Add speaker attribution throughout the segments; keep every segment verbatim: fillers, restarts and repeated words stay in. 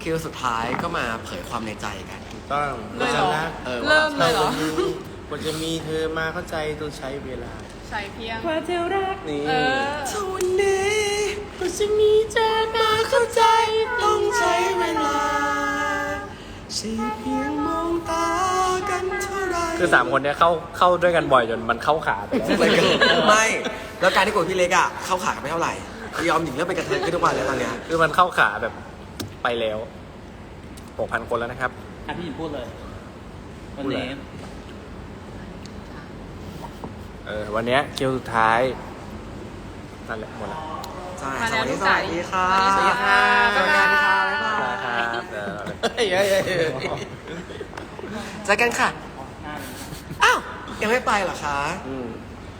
Speaker 1: คิวสุดท้ายก็มาเผยความในใจกัน
Speaker 2: ถูกต้อง
Speaker 3: เลยเหรอ
Speaker 2: นะ
Speaker 1: เออ
Speaker 3: เริ่มเลยเหรอ
Speaker 2: กว่าจะมีเธอมาเข้าใจต้องใช้เวลา
Speaker 3: ใส่เพียง
Speaker 4: กว่าจะรัก
Speaker 2: นี่
Speaker 3: เออ
Speaker 1: ทุกวันนี้ก็จะมีเธอมาเข้าใจต้องใช้เวลาใช่เพียงมองตากันเท่าไร
Speaker 5: คือสามคนเนี้ยเข้าเข้าด้วยกันบ่อยจนมันเข้าขาไปแล้ว
Speaker 1: มันก็ไม่ แล้วการที่กดพี่เล็กอ่ะเข้าขากันไม่เท่าไหร่ยอมหญิงเริ่มเป็นกระเทยขึ้นทุกวันแล้วตอนเนี้ย
Speaker 5: คือมันเข้าขาแบบไปแล้วหกพันคนแล้วนะครับ
Speaker 4: อ่ะพี่หญิงพูดเลย วันนี้
Speaker 5: เออวันเนี้ยคิวสุดท้ายนั่นแหละหมดแล้ว
Speaker 1: ใช่
Speaker 3: มา
Speaker 1: ส
Speaker 3: แล้ว
Speaker 1: วัส
Speaker 3: ลู
Speaker 1: ดี
Speaker 3: ก
Speaker 1: ส
Speaker 3: สาว
Speaker 1: วัสดีค่ะ
Speaker 3: สวัสดีค่ะ
Speaker 1: สวัสดีค่ะบ๊ายบาย
Speaker 5: ครับเออ
Speaker 2: เฮ้ยเฮ้ยเฮ้ยเฮ้ย
Speaker 1: เจอกันค่ะ อ้าว ยังไม่ไปเหรอคะ
Speaker 2: อืม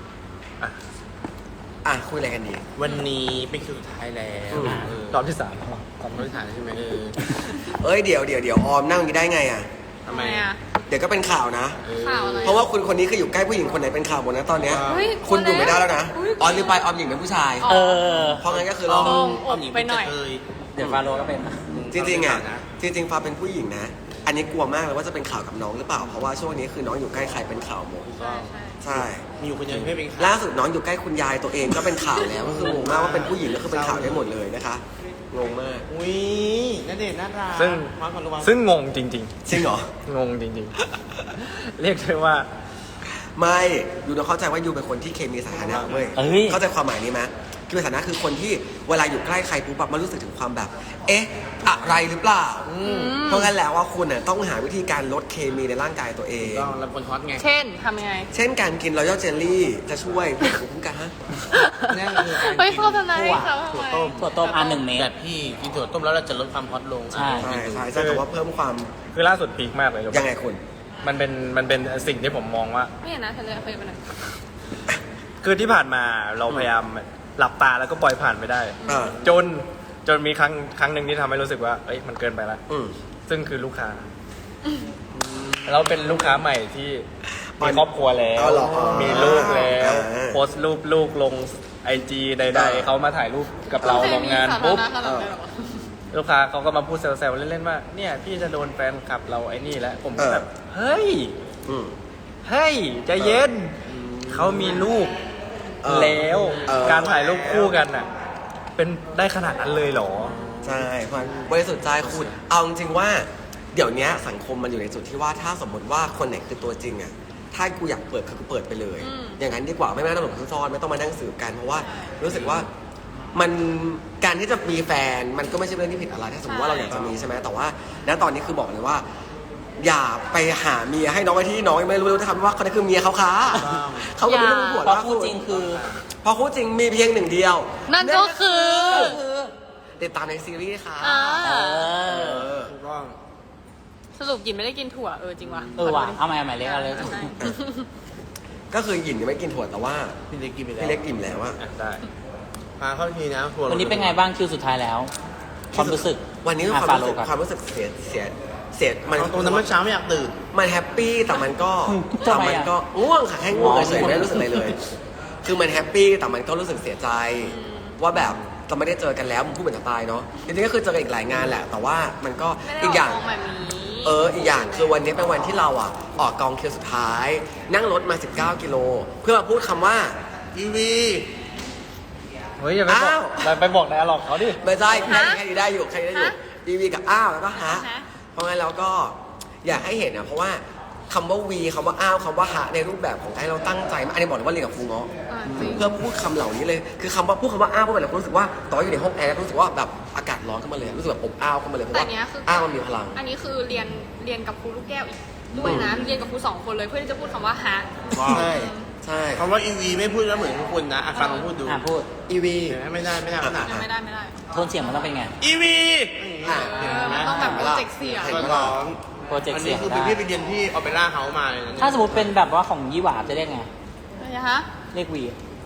Speaker 1: อ่ะ คุยอะไรกันดี
Speaker 2: วันนี้เป็นคิวสุดท้ายแล้ว
Speaker 1: อืม
Speaker 2: เออ
Speaker 5: รอบที่สาม
Speaker 2: ความรู้ฐานใช่ไหมเออ
Speaker 1: เอ้ย เดี๋ยวเดี๋ยวเดี๋ยวออมนั่งอย่างนี้ได้ไงอ่ะ
Speaker 2: ทำไม
Speaker 3: อ่ะ
Speaker 1: เดี๋ยวก็เป็นข่าวนะ
Speaker 2: เออ
Speaker 3: ข่าวอะไร
Speaker 1: เพราะว่าคุณคนนี้คืออยู่ใกล้ผู้หญิงคนไหนเป็นข่าวหมดนะตอนเนี้ย
Speaker 3: เฮ้ย
Speaker 1: คุณอยู่ไม่ได้แล้วนะ
Speaker 3: อุ๊ย
Speaker 1: ออมลืมไปออมหญิงเป็นผู้ชาย
Speaker 3: อ๋อ
Speaker 4: เออ
Speaker 1: เพราะงั้นก็คือ
Speaker 3: ล
Speaker 1: เรา
Speaker 3: ง
Speaker 2: ออมหญิง
Speaker 3: ไปหน่อย
Speaker 2: เป็กระเท
Speaker 4: เดี๋ยวฟาโรก็เป็น
Speaker 1: จริงๆอ่ะ
Speaker 2: นะ
Speaker 1: จริงๆฟ้าเป็นผู้หญิงนะ อันนี้กลัวมากเลยว่าจะเป็นข่าวกับน้องหรือเปล่า เพราะว่าช่วงนี้คือน้องอยู่ใกล้ใครเป็นข่าวหมด
Speaker 3: ใช่ใช่
Speaker 1: ใช่
Speaker 2: มีอยู่คนเดียวที่ไม่เป็นข่าว
Speaker 1: ล่าสุดน้องอยู่ใกล้คุณยายตัวเองก็เป็นข่าวแล้ว ก็คืองงมากว่าเป็นผู้หญิงก็คือเป็นข่าวได้หมดเลยนะคะงงมาก
Speaker 2: อุ้ยน่าเด็ดน่ารัก
Speaker 5: ซึ่ง
Speaker 2: วางก่อนระวัง
Speaker 5: ซึ่งงงจริง
Speaker 1: จริงเหรอ
Speaker 5: ๆ งงจริงๆ เรียกได้ว่า
Speaker 1: ไม่ยูต้องเข้าใจว่ายูเป็นคนที่เคมีสถานะเว้ย
Speaker 4: เอ้ย
Speaker 1: เข้าใจความหมายนี้ไหมเคมีสถานะคือคนที่เวลาอยู่ใกล้ใครปุ๊บแบบมันรู้สึกถึงความแบบ เอ๊ะ อะไรหรือเปล่า เพราะงั้นแล้วว่าคุณน่ะต้องหาวิธีการลดเคมีในร่างกายตัวเอง
Speaker 2: ต้องรับคนฮอตไง
Speaker 3: เช่นทำยังไง
Speaker 1: เช่นการกินรอยัลเจลลี่จะช่วยภูมิคุ้มกันฮะ
Speaker 2: นั่นคือการ
Speaker 3: เฮ้ย
Speaker 2: กิน
Speaker 3: โฆษณาให้เขาทำ
Speaker 2: ถั่ว
Speaker 3: ไม
Speaker 2: ต้ม
Speaker 4: ถั่วต้มอันหนึ่งเมต
Speaker 2: แบ
Speaker 4: ร
Speaker 2: บพี่กินถั่วต้มแล้วเราจะลดความฮอตลง
Speaker 4: ใช่
Speaker 1: ใช่ใช่ใช่แต่ว่าเพิ่มความ
Speaker 5: คือล่าสุดพีคมากเลย
Speaker 1: ยังไงคุณ
Speaker 5: มันเป็นมันเป็นสิ่งที่ผมมองว่า
Speaker 3: ไม่เห็นนะเธอเลยเคยไปไหน
Speaker 5: คือที่ผ่านมาเราพยายามหลับตาแล้วก็ปล่อยผ่านไปได้
Speaker 1: เออ
Speaker 5: จนจนมีครั้งครั้งหนึ่งที่ทำให้รู้สึกว่าเอ้ยมันเกินไปแล้ว
Speaker 1: อืม
Speaker 5: ซึ่งคือลูกค้า เราเป็นลูกค้าใหม่ที่
Speaker 1: อ๋อ
Speaker 5: มีครอบครัวแล้ว
Speaker 1: อ๋อเหรอ
Speaker 5: มีลูกแล้ว
Speaker 1: อ่า
Speaker 5: โพสต์รูปลูกลงไอจีใด
Speaker 1: อ่า
Speaker 5: ๆเขามาถ่ายรูปกับเราลงงาน
Speaker 3: สาธาร
Speaker 5: ปุ๊บ
Speaker 3: ณะขนาดนั้นเลยเหรอ
Speaker 5: ลูกค้าเขาก็มาพูดแซวๆเล่นๆว่าเนี่ยพี่จะโดนแฟนคลับเราไอ้นี่แล้วผม
Speaker 1: เออ
Speaker 5: แบบเฮ้ย
Speaker 1: อืม
Speaker 5: เฮ้ยใจเย็นเขามีลูก
Speaker 1: เออ
Speaker 5: แล้ว
Speaker 1: เออ
Speaker 5: การถ่ายรูปคู่กันน่ะ เป็นได้ขนาดนั้นเลยเหรอ
Speaker 1: ใช่เพราะบริสุทธิ์ใจคุณเอาจริงๆว่า เดี๋ยวนี้สังคมมันอยู่ในจุดที่ว่าถ้าสมมติว่าคนไหนคือตัวจริงอ่ะถ้ากูอยากเปิดคือกูเปิดไปเลย
Speaker 3: อืม
Speaker 1: อย่างนั้นดีกว่าไม่ต้องหลบซ่อนไม่ต้องมานั่งสืบกันเพราะว่ารู้สึกว่ามันการที่จะมีแฟนมันก็ไม่ใช่เรื่องที่ผิดอะไรถ้าสมมติว่าเราอยากจะมีใช่ไหมแต่ว่าณตอนนี้คือบอกเลยว่า อย่าไปหาเมียให้น้องไอ้ที่น้องยังไม่รู้เลยทำว่าคนนั้นคือเมียเขาค้าเขาก็ไม่รู้หัว
Speaker 4: เพราะ
Speaker 1: ล่า
Speaker 4: คู่
Speaker 1: สุด
Speaker 4: จริงคือ
Speaker 1: เพราะคู่จริงมีเพียงหนึ่งเดียว
Speaker 3: นั่นก็คือ
Speaker 1: ติดตามในซีรีส์ค่ะ
Speaker 3: อ่า
Speaker 4: เออ
Speaker 1: เออ
Speaker 2: ถูกต้อง
Speaker 3: สรุปหยินไม่ได้กินถั่วเออจริงว่ะ
Speaker 4: เออว่ะเอาใหม่เอาใหม่เล็กเอาเลย
Speaker 3: ใช่
Speaker 1: ก็คือหยินยังไม่กินถั่วแต่ว่า
Speaker 2: พี่เล็กกินไปแล้ว
Speaker 1: พี่เล็กอิ่มแล้วอะ
Speaker 5: อ่ะได้
Speaker 2: พาเข้าทีนะถั่ว
Speaker 4: วันนี้เป็นไงบ้างคิวสุดท้ายแล้ว ความรู้สึก
Speaker 1: วันนี้
Speaker 4: อ่ะ
Speaker 1: ความรู้สึก
Speaker 4: ฟาโรห์ก่อน
Speaker 1: ความรู้สึกเสียเสียเสียมัน
Speaker 2: เอาตรงนั้นเมื่อเช้าไม่อยากตื่น
Speaker 1: มันแฮปปี้แต่มันก็
Speaker 4: ทำ
Speaker 1: แต่
Speaker 4: ไมอะ
Speaker 1: มันก็ง่วงค่ะแค่ง่วง
Speaker 4: อ๋อ
Speaker 1: เฉยๆไม่ได้รู้สึกอะไรเลย คือมันแฮปปี้แต่มันก็รู้สึกเสียใจ ว่าแบบจะไม่ได้เจอกันแล้วมันพูดเหมือนจะตายเนาะจริงๆก็คือเจอกันอีกหลายงานแหละ แต่ว่ามันก็
Speaker 3: ไม่ได้
Speaker 1: อีกอย่าง
Speaker 3: ออกแบบนี้
Speaker 1: เอออีกอย่างคือวันนี้เป็นวันที่เราอ่ะออกกองคิวสุดท้าย นั่งรถมาสิบเก้ากิโลเพื่อมาพูดคำว่า
Speaker 2: อีวี
Speaker 5: เฮ้ยอย่าไปบอก
Speaker 1: อ้าว
Speaker 5: อย่าไปบอกนายหรอกเขาดิ
Speaker 1: ไม่ใช่แค่
Speaker 3: ฮะ
Speaker 1: แค่นี้ได้อยู่แค่นี้ได้อยู่
Speaker 3: ฮะ
Speaker 1: ดีวีกับอ้าวแล้วก็ฮะ
Speaker 3: ฮะ
Speaker 1: เพราะงั้นเราก็อยากให้เห็นนะเพราะว่าคำว่าวีคำว่าอ้าวคำว่าฮะในรูปแบบของไอ้เราตั้งใจมากอันนี้บอกเลยว่าเรียนกับครูเงาะ
Speaker 3: อ่าจริง
Speaker 1: เพื่อพูดคำเหล่านี้เลยคือคำว่าพูดคำว่าอ้าวเพราะแบบเรารู้สึกว่าตอนอยู่ในห้องแอร์รู้สึกว่าแบบอากาศร้อนขึ้นมาเลยรู้สึกแบบอบอ้าวขึ้นมาเลยเพราะ
Speaker 3: แต่
Speaker 1: ว่า
Speaker 3: เนี้ยคือ
Speaker 1: อ้าวมันมีพลัง
Speaker 3: อันนี้คือเรียนเรียนกับครูลูกแก้วอีกด้วยนะเรียนกับครูสองคนเลยเพื่อที่จะพูดคำว่าฮะ
Speaker 1: ใช่ใช่
Speaker 2: คำว่าอีวีไม่พูดแล้วเหมือนทุกคนนะอาฟังลองพูดดู
Speaker 4: อ่ะพูด
Speaker 1: อีวี
Speaker 2: เห็นไหมไม่ได้ไม่ได้ขนาด
Speaker 3: ยังไม่ได้ไม่ได้
Speaker 4: โทนเสียงมันต้องเป็นไง
Speaker 2: อีวี
Speaker 1: อ่ะ
Speaker 3: เออมันต้องแบบโปรเจกต์เสียง
Speaker 1: เห็น
Speaker 2: ก็
Speaker 1: ไหม
Speaker 2: ร้อง
Speaker 4: โปรเจกต์
Speaker 2: อัน
Speaker 4: เสี
Speaker 2: นี้
Speaker 4: ยง
Speaker 2: คือ
Speaker 4: ได้
Speaker 2: พี่ไปเรียนที่ออเปร่าเฮาส์มาเลยนะ
Speaker 4: ถ้าสมมติเป็นแบบว่าของยี่หวาจะเรียกไง
Speaker 3: อะไรฮะ
Speaker 4: เรียกวี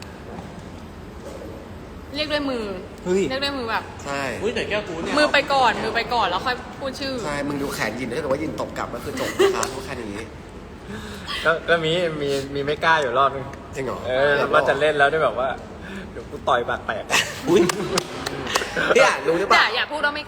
Speaker 3: เรียกด้วยมือ
Speaker 4: เฮ้ย
Speaker 3: เรียกด้วยมือแบบ
Speaker 1: ใช่
Speaker 2: อุ้ยแต่แก้วกูเนี่ย
Speaker 3: มือไปก่อน มือไปก่อนแล้วค่อยพูดชื่อ
Speaker 1: ใช่มึงดูแขนยินถ้าเกิดว่ายินตบกลับก็คือจบนะคะพูดแค่นี้
Speaker 5: ก็ก็มีมีมีไม่กล้าอยู่รอบนึง
Speaker 1: จริงเหรอ
Speaker 5: เออว่าจะเล่นแล้วได้แบบว่าเดี๋ยวกูต่อยปากแตก
Speaker 4: อุ้ย
Speaker 1: เนี่ยรู้หรือเป
Speaker 3: แต่
Speaker 1: ล่า
Speaker 3: อย่าพูดว่าไม่กล้า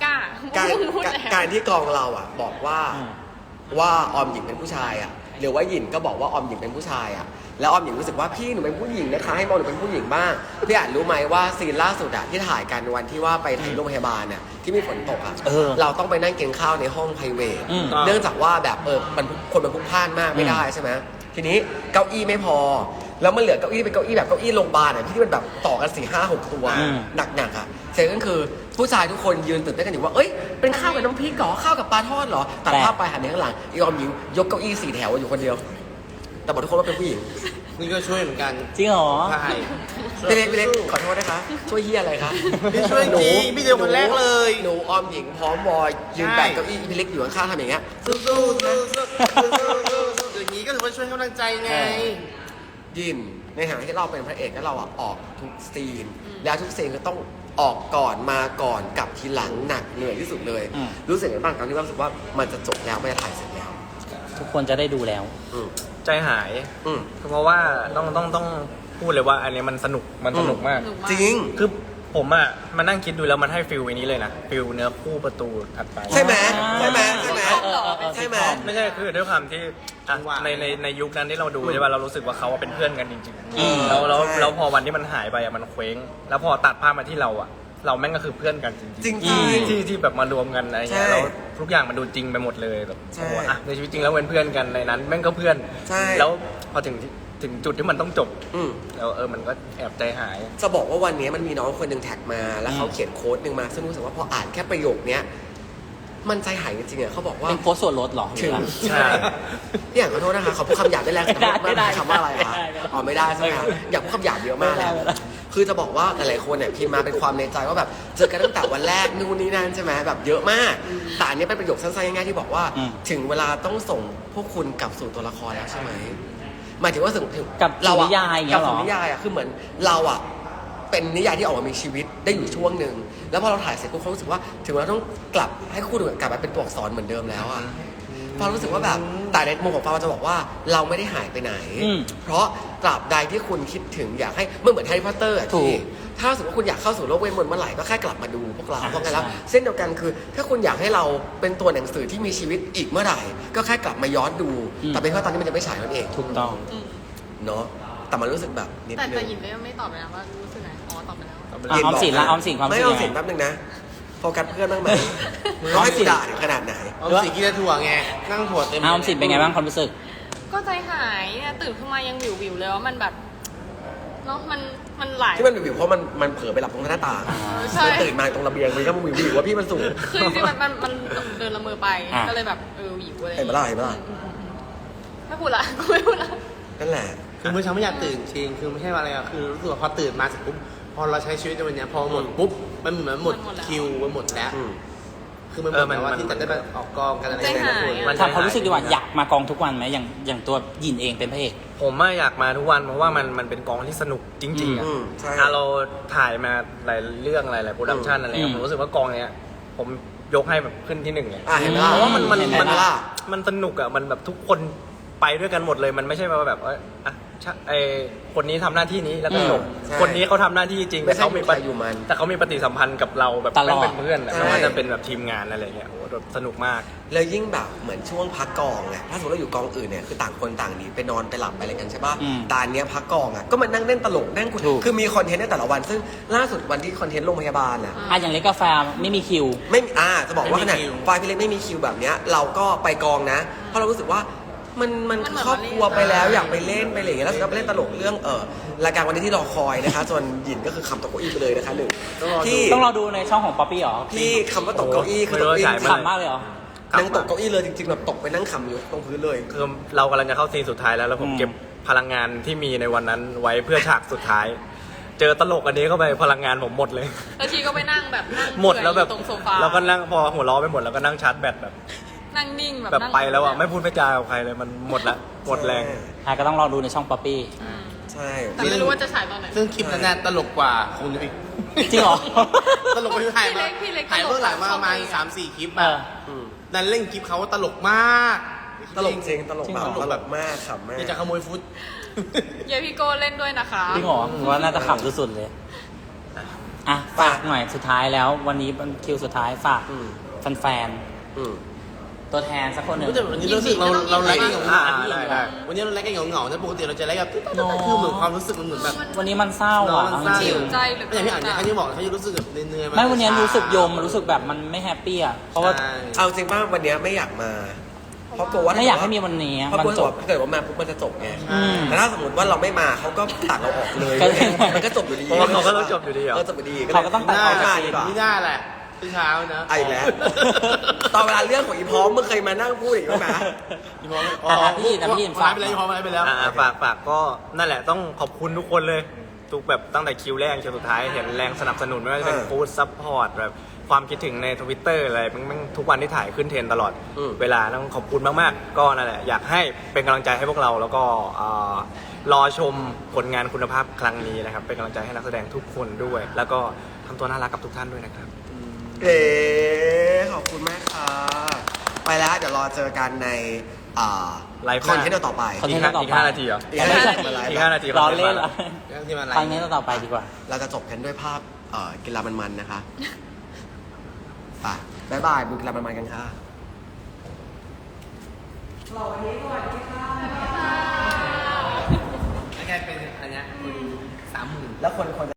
Speaker 1: การ
Speaker 3: พูด
Speaker 1: การ
Speaker 3: แล้ว
Speaker 1: การที่กองเราอ่ะ บอกว่า
Speaker 4: อืม
Speaker 1: ว่าออมหญิงเป็นผู้ชายอ่ะหรือว่าหยินก็บอกว่าออมหญิงเป็นผู้ชายอ่ะแล้วออมหญิงรู้สึกว่าพี่หนูเป็นผู้หญิงนะคะให้มองหนูเป็นผู้หญิงบ้างพี่อ่านรู้ไหมว่าซีนล่าสุดอ่ะที่ถ่ายกันวันที่ว่าไปถ่ายโรงพยาบาลน่ะที่มีฝนตกอ่ะ
Speaker 4: เออ
Speaker 1: เราต้องไปนั่งกินข้าวในห้องไพรเวท
Speaker 4: อืม
Speaker 1: เนื่องจากว่าแบบเออมันคนมันพลุกพล่านมากไม่ได้ใช่ไหมทีนี้เก้าอี้ไม่พอ แล้วมันเหลือเก้าอี้เป็นเก้าอี้แบบเก้าอี้โรงพยาบาลอ่ะที่มันแบบต่อกันสี่ห้าหกตัว
Speaker 4: อืม
Speaker 1: หนักๆอ่ะเสร็จก็คือผู้ชายทุกคนยืนตื่นเต้นกันอยู่ว่าเอ้ยเป็นข้าวกับน้ำพริกเหรอข้าวกับปลาทอดเหรอตัดภาพไปหันไปข้างหลังอีออมหญิงยกเก้าอี้สี่แถวอยู่คนเดียว แต่บอกทุกคนว่าเป็นผู้หญิง
Speaker 2: นี่ก็ช่วยเหมือนกัน
Speaker 4: จริงเหรอ
Speaker 2: ใช่
Speaker 1: พี่เล็กพี่เล็กขอโทษนะคะช่วยเฮียอะไรคะ
Speaker 2: พี่ช่วยจริงพี่เดียวคนแรกเลย
Speaker 1: หนูออมหญิงพร้อมวอยยืนแบกเก้าอี้พี่เล็กอยู่ข้างๆทำอย่างเงี้ย
Speaker 2: สู้ๆสู้ๆสู้ๆสู้ๆอย่างนี้ก็ถือว่าช่วยกำลังใจไง
Speaker 1: ยินในฐานะที่เราเป็นพระเอกแล้วเราอะออกทุกซีน แล้วทุกซีนก็ต้องออกก่อนมาก่อนกลับทีหลังหนักเหนื่อยที่สุดเลย
Speaker 4: อืม
Speaker 1: รู้สึกยังไงบ้างครั้งที่ว่ารู้สึกว่ามันจะจบแล้วไม่ได้ถ่ายเสร็จแล้ว
Speaker 4: ทุกคนจะได้ดูแล้ว
Speaker 1: อืม
Speaker 5: ใจหาย
Speaker 1: อืม
Speaker 5: เพราะว่าต้องต้องต้องพูดเลยว่าอันนี้มันสนุกมันสนุกมาก
Speaker 3: สนุกมาก
Speaker 1: จริง
Speaker 5: คือผมอ่ะมานั่งคิดดูแล้วมันให้ฟิลอันนี้เลยนะฟิลเนื้อคู่ประตูถัดไป
Speaker 1: ใช่ไหมใช่ไหมใช่ไหม
Speaker 4: เออเออเออ
Speaker 1: ใช่ไหม
Speaker 5: ไม่ใช่คือด้วยความที่อ่ะ
Speaker 2: ว่า
Speaker 5: ในในในยุคนั้นที่เราดู
Speaker 1: อืม
Speaker 5: ใช่ป่ะเรารู้สึกว่าเขาเป็นเพื่อนกันจริง
Speaker 4: อืม
Speaker 5: ๆแล้วแล้ว
Speaker 1: ใช่
Speaker 5: แล้วพอวันที่มันหายไปอ่ะมันเคว้ง แล้วพอตัดภาพมาที่เราอ่ะ เราแม่งก็คือเพื่อนกันจริงๆ
Speaker 1: จริง
Speaker 4: อืม
Speaker 1: ๆ
Speaker 5: ที่ที่แบบมารวมกันอะไรเงี้ย
Speaker 1: ใช่
Speaker 5: แล้วทุกอย่างมันดูจริงไปหมดเลยแบบ
Speaker 1: ใช่
Speaker 5: โอ้โหอ่ะในชีวิตจริงแล้วเป็นเพื่อนกันในนั้น แม่งก็เพื่อน
Speaker 1: ใช่
Speaker 5: แล้วพอถึงถึงจุดที่มันต้องจบ
Speaker 1: อืม
Speaker 5: แล้วเออมันก็แอบใจหาย
Speaker 1: จะบอกว่าวันนี้มันมีน้องคนหนึ่งแท็กมา แล้วเขา
Speaker 4: อืม
Speaker 1: เขียนโค้ดหนึ่งมา ซึ่งรู้สึกว่าพออ่านแค่ประโยคเนี้ยมันใจหายจริงๆอ่ะเขาบอกว่า
Speaker 4: เป็นโค้ดส่วนลดเหรอ
Speaker 1: ถึง
Speaker 4: หรือ
Speaker 5: ใช่
Speaker 1: พี่อย่างขอโทษนะคะเขาพูดคำหยาบได้แรง
Speaker 4: ไม่ได้ไม่ได้
Speaker 1: คำว่าอะไรคะ
Speaker 4: ไม่ได้ไม่ได้
Speaker 1: อ๋อไม่ได้ใช่ไหมคะอยากพูดคำหยาบเยอะมากเลย
Speaker 4: ไม่ได้ไม่ได้
Speaker 1: คือจะบอกว่าหลายๆคนเนี่ยพิมพ์มาเป็นความในใจว่าแบบเจอกันตั้งแต่วันแรกนู่นนี่นั่นใช่ไหมแบบเยอะมากแต่อันนี้เป็นประโยคสั้นๆง่ายๆที่บอกว่า
Speaker 4: อืม
Speaker 1: ถึงเวลาต้องส่งพวกคุณกลับสู่ตัวละครแล้วใช่ไหมหมายถึงว่าถึงถึง
Speaker 4: กลับสู่
Speaker 1: เราอะ
Speaker 4: นิยายอย่างเงี้
Speaker 1: กลั
Speaker 4: ยเหรอ
Speaker 1: สู่นิยายอะคือเหมือนเราอะเป็นนิยายที่ออกมามีชีวิตได้อยู่ช่วงหนึ่งแล้วพอเราถ่ายเสร็จปุ๊บเขารู้สึกว่าถึงเวลาต้องกลับให้คู่ดูกลับมาเป็นตัวอักษรเหมือนเดิมแล้วอะ ฟารู้สึกว่าแบบแต่ในมุมของฟาจะบอกว่าเราไม่ได้หายไปไหน
Speaker 4: อืม
Speaker 1: เพราะตราบใดที่คุณคิดถึงอยากให้เมื่อเหมือนแฮร์รี่พอตเตอร์อะ
Speaker 4: ถูก
Speaker 1: ที่ถ้าสมมติว่าคุณอยากเข้าสู่โลกเวทมนต์เมื่อไหร่ก็แค่กลับมาดูพวกเรา
Speaker 4: อ่า
Speaker 1: เพราะงั้นแล้ว
Speaker 4: ใช่
Speaker 1: เส้นเดียวกันคือ ถ้าคุณอยากให้เราเป็นตัวหนังสือที่มีชีวิตอีกเมื่อไหร่ ก็แค่กลับมาย้อนดู แต่เป็นเพราะตอนนี้มันจะไม่ฉายนั่นเอง
Speaker 4: ถูกต้อง
Speaker 3: อืม
Speaker 1: เนาะแต่มันรู้สึกแบบนิด
Speaker 3: แต่
Speaker 1: นึ
Speaker 3: แต่
Speaker 1: ง
Speaker 3: หยินก็ยังไม่ตอบเลยนะว่ารู้สึกไงอ๋อตอบไปแล้ว
Speaker 4: อ่ะออมสินละออมสินความรู้
Speaker 1: ไม่
Speaker 4: สึก
Speaker 1: เอา
Speaker 4: ยัง
Speaker 1: สิน
Speaker 4: ไง
Speaker 1: แป๊บนึงนะโฟกัสเพื่อนบ้างไหมร้อยกูด่าถึงขนาดไหน
Speaker 2: เอาสีกินแต่ถั่วไง นั่งถั่วเต็ม
Speaker 4: อ่ะออมสินเป็นไงบ้างความรู้สึก
Speaker 3: ก็ใจหายเนี่ยตื่นขึ้นมายังวิววิวๆเลยว่ามันแบบเนาะมันมันหลาย
Speaker 1: ที่มันวิวๆเพราะมันมันเผลอไปหลับตรงหน้าต่าง
Speaker 3: ใช่
Speaker 1: มันตื่นมาตรงระเบียงมันก็วิววิวว่าพี่มันสูง
Speaker 3: คือจริงๆมันมันมันเดินละเมอไป
Speaker 4: อ่ะ
Speaker 3: ก็เลยแบบเออวิวอะไร
Speaker 1: เห็นปะล่ะเห็นปะล่ะ
Speaker 3: ไม่พูดละกูไม่พูดละ
Speaker 1: นั่นแหละ
Speaker 2: คือเมื่อเช้าไม่อยากตื่นจริง คือไม่ใช่ว่าอะไรอะคือรู้สึกว่าพอตื่นมาเสร็จปุ๊บ พอเราใช้ชีวิตในวันเนี้ยพอหมดปุ๊บ มันเหมือนหมดคิวมันหมดแล้ว
Speaker 1: อืม
Speaker 2: คือมันหมดแล้วว่าที่จะได้ไปออกกองกันอะไร
Speaker 3: ใจ
Speaker 2: อย่าง
Speaker 3: หาย
Speaker 2: เงี้ย
Speaker 3: อะ
Speaker 4: ถามความรู้สึกดีกว่าอยากมากองทุกวันไหมอย่างอย่างตัวหยินเองเป็นพระเอก
Speaker 5: ผมอะอยากมาทุกวันเพราะว่ามันมันเป็นกองที่สนุกจริงๆอะ
Speaker 1: อืมใช่
Speaker 5: อ่ะเราถ่ายมาหลายเรื่องหลายหลายโปรดักชันอะไรเงี้ย
Speaker 4: อืม
Speaker 5: ผมรู้สึกว่ากองเนี้ยผมยกให้แบบขึ้นที่หนึ่งเลย
Speaker 1: อ่ะเห็นปะล่ะ
Speaker 5: เพราะว่ามันมัน
Speaker 1: เห็น
Speaker 5: มัน
Speaker 1: ปะล่ะ
Speaker 5: มันสนุกอ่ะมันแบบทุกคนไปด้วยกันหมดเลยมันไม่ใช่ว่าแบบว่าอ่ะชะไอคนนี้ทำหน้าที่นี้แล้วก็จบ
Speaker 1: ใช่
Speaker 5: คนนี้เขาทำหน้าที่จริง
Speaker 1: ไม่
Speaker 5: แต่
Speaker 1: ใช่
Speaker 5: เขามี
Speaker 1: อยู่ใครอยู่มัน
Speaker 5: แต่เขามีปฏิสัมพันธ์กับเราแบบ
Speaker 4: ตลอด
Speaker 5: แม่งเป็นเพื่อนอะ
Speaker 1: ใช่
Speaker 5: ไม่ว่าจะเป็นแบบทีมงานอะไรเงี้ยโอ้โหแบบสนุกมาก
Speaker 1: แล้วยิ่งแบบเหมือนช่วงพักกองไงถ้าสมมติเราอยู่กองอื่นเนี่ยคือต่างคนต่างหนีไปนอนไปหลับไปอะไรกันใช่ป่ะ
Speaker 4: อืม
Speaker 1: แต่อันเนี้ยพักกองอ่ะก็มานั่งเล่นตลกนั่งคุย
Speaker 4: ถูก
Speaker 1: คือมีคอนเทนต์ในแต่ละวัน ซึ่งล่าสุดวันที่คอนเทนต์โรงพยาบาลอ่ะ
Speaker 4: อ่ะอย่างเล็กกาแฟไม่มีคิว
Speaker 1: ไม่มีอ่าจะบอกว่า
Speaker 2: ไม่
Speaker 1: ข
Speaker 2: มี
Speaker 1: นาด
Speaker 2: คิว
Speaker 1: ไฟล์พี่เล็กไม่มีคิวแบบเนี้ยเราก็ไปกองนะ เพราะเรารู้สึกว่ามันมัน
Speaker 3: มันเหมือน
Speaker 1: ครอบครัว
Speaker 3: มาเล่น
Speaker 1: ไปแล้วอยากไปเล่นไปอะไรอย่างเงี้ยแล้วก็ไปเล่นตลกเรื่องเออรายการวันนี้ที่รอคอยนะคะส่วนหยินก็คือคำตกเก้าอี้ไปเลยนะคะหนึ่งที่
Speaker 4: ต้องรอดูในช่องของป๊อปปี้เหรอ
Speaker 1: ที่คำว่าตกเก้าอี้คือตกเก้าอี้
Speaker 5: ไม่รู้ว่าฉายเมื่อไหร่
Speaker 4: ขำมากเลยเหรอ
Speaker 1: นั่งตกเก้าอี้เลยจริงๆแบบตกไปนั่งขำอยู่ตรงพื้นเลย
Speaker 5: คือเรากำลังจะเข้าซีนสุดท้ายแล้วแล้วผม
Speaker 4: อืม
Speaker 5: เก็บพลังงานที่มีในวันนั้นไว้เพื่อฉากสุดท้าย เจอตลกอันนี้เข้าไปพลังงานผมหมดเลย
Speaker 3: แล้วทีก็ไปนั่งแบบนั่ง
Speaker 5: หมดแล้วแบบ
Speaker 3: เปื่อยอยู่ตรงโซฟา
Speaker 5: เราก็นั่งพอหัวล้อไปหมดแล้วก็นั่งชาร์จแบตแบบ
Speaker 3: นั่งนิ่งแบบ
Speaker 5: แบบ
Speaker 3: นั่ง
Speaker 5: ไปแล้วอ่ะไม่พูดไม่จากับใครเลยมันหมดละหมดแรง
Speaker 4: อ่ะก็ต้องรอดูในช่องป๊อปปี้
Speaker 3: อืม
Speaker 1: ใช่
Speaker 3: แต่ไม่รู้ว่าจะฉายตอนไหน
Speaker 2: ซึ่งคลิปนั้นน่ะตลกกว่าคุณอีก
Speaker 4: จริงเหรอ
Speaker 2: ตลกกว่าที่ถ่ายมา
Speaker 3: พี่เล็กพี่เล็ก
Speaker 2: ถ่ายเบื้องหลังมาประมาณ
Speaker 3: ตลก
Speaker 2: สามสี่คลิป
Speaker 4: เอ
Speaker 2: อะ
Speaker 4: อ
Speaker 1: ม
Speaker 2: ดันเล่นคลิปเขาว่าตลกมาก
Speaker 1: ตลกจริงตลก
Speaker 4: จริง
Speaker 1: แบ
Speaker 4: เหร
Speaker 1: บ
Speaker 4: อ
Speaker 1: ตลกมากขำมาก
Speaker 2: นี่จะขโมยฟุต
Speaker 3: เยพี่โก้เล่นด้วยนะคะ
Speaker 4: จริงเหรอผมว่าน่าจะขำสุดๆเลยอ่ะฝากหน่อยสุดท้ายแล้ว วันนี้เป็นคิวสุดท้ายฝาก
Speaker 1: อืม
Speaker 4: แฟน
Speaker 1: อืม
Speaker 4: ๆตัวแทนสักคนหนึ่ง
Speaker 2: ก็จะวันนี้รู้สึกเราเราไลฟ์กันเหงา
Speaker 5: อ่า
Speaker 2: ๆ
Speaker 5: ได้ได้
Speaker 2: วันนี้เราไลฟ์กันเหงาๆนะปกติเราจะไลฟ์แบบคือเหมือนความรู้สึกมันเหมือนแบบ
Speaker 4: วันนี้มันเศร้าอ่ะ
Speaker 2: มันเศร้า
Speaker 4: จริง
Speaker 3: ใจเหลือ
Speaker 2: ไม่อย่างที่อ่านเนี่ยเขาจะบอกเขาจะรู้สึกแบบเหนื่อยๆ
Speaker 4: ๆไม่วันนี้รู้สึกโยมมันรู้สึกแบบมันไม่แฮปปี้อ่ะเพราะว่า
Speaker 2: ใช่
Speaker 1: เอาจริงป่ะวันเนี้ยไม่อยากมา เพราะกลัวว่า
Speaker 4: ไม่อยากให้มีวันนี้
Speaker 1: เพราะ
Speaker 4: มัน
Speaker 1: กลัว
Speaker 4: จ
Speaker 1: ว่า
Speaker 4: บ
Speaker 1: ถ้าเกิดว่ามาปุ๊บมันจะจบไง
Speaker 4: อืม
Speaker 1: แต่ถ้าสมมติว่าเราไม่มาเขาก็ตัดเราออกเลย
Speaker 4: ก็เลย
Speaker 1: มันก็จบอยู่ดี
Speaker 5: เพราะว่าเขาก็ต้องจบอยู่ดีเหรอ
Speaker 1: เออจบอยู่ดี
Speaker 4: เขาก็ต้องตัดออก
Speaker 1: ไม่
Speaker 4: จาก
Speaker 1: มา
Speaker 4: ซี
Speaker 1: ดี
Speaker 4: น
Speaker 1: กว่า
Speaker 2: ไม่ได้แหละที่เช้านะ
Speaker 1: เอาอีกแล้ว ตอนเวลาเรื่องของอีพร้อมมึงเคยมานั่งพูดอีกไหม
Speaker 2: พี่พร้อม
Speaker 4: อ่ะพี่นะพี่
Speaker 2: ฝา
Speaker 4: ฝาก ก
Speaker 2: ไปแล้วพี่พร้อมไปแล้ว
Speaker 5: อ่าฝากฝากก็นั่นแหละต้องขอบคุณทุกคนเลย ทุกแบบตั้งแต่คิวแรกคิวสุดท้ายเห็นแรงสนับสนุนไม่ว่าจะเป็น
Speaker 1: เออ
Speaker 5: ฟู้ดซัพพอร์ตแบบความคิดถึงในทวิตเตอร์อะไรมันมันทุกวันที่ถ่ายขึ้นเทรนด์ตลอด
Speaker 1: อืม
Speaker 5: เวลาต้องขอบคุณมากๆ ก็นั่นแหละอยากให้เป็นกำลังใจให้พวกเราแล้วก็อ่ารอชมผลงานคุณภาพครั้งนี้นะครับเป็นกำลังใจให้นักแสดงทุกคนด้วย แล้วก็ทำตัวน่ารักกับทุกท่านด้วยนะครับ
Speaker 1: เอ๋ขอบคุณมากค่ะ ไปแล้วเดี๋ยวรอเจอกันในอ่า
Speaker 5: ไลฟ์ห
Speaker 1: ค
Speaker 5: น้า
Speaker 1: อนเทนต์ต่อไป
Speaker 4: คอนเท
Speaker 5: อี
Speaker 4: น
Speaker 5: ก
Speaker 4: ต์
Speaker 5: ห้า
Speaker 4: ต่อ
Speaker 5: อีก
Speaker 4: ไป
Speaker 5: ห้านาทีเหรอ
Speaker 1: อีกห้านาทีมาไลฟ์
Speaker 5: อีกห้านาที
Speaker 4: รอเล่นเหรอ
Speaker 2: ที่มาไล
Speaker 4: ครั้ง
Speaker 2: ฟ์
Speaker 4: นี้ต่อไปดีกว่า
Speaker 1: เราจะจบกันด้วยภาพเอ่อกีฬามันๆนะคะไปบ๊ายบายดูกีฬามันๆกันค่ะ
Speaker 2: แล้วแกเป็นอันเนี้ยสามหมื่น
Speaker 1: แล้วคนคน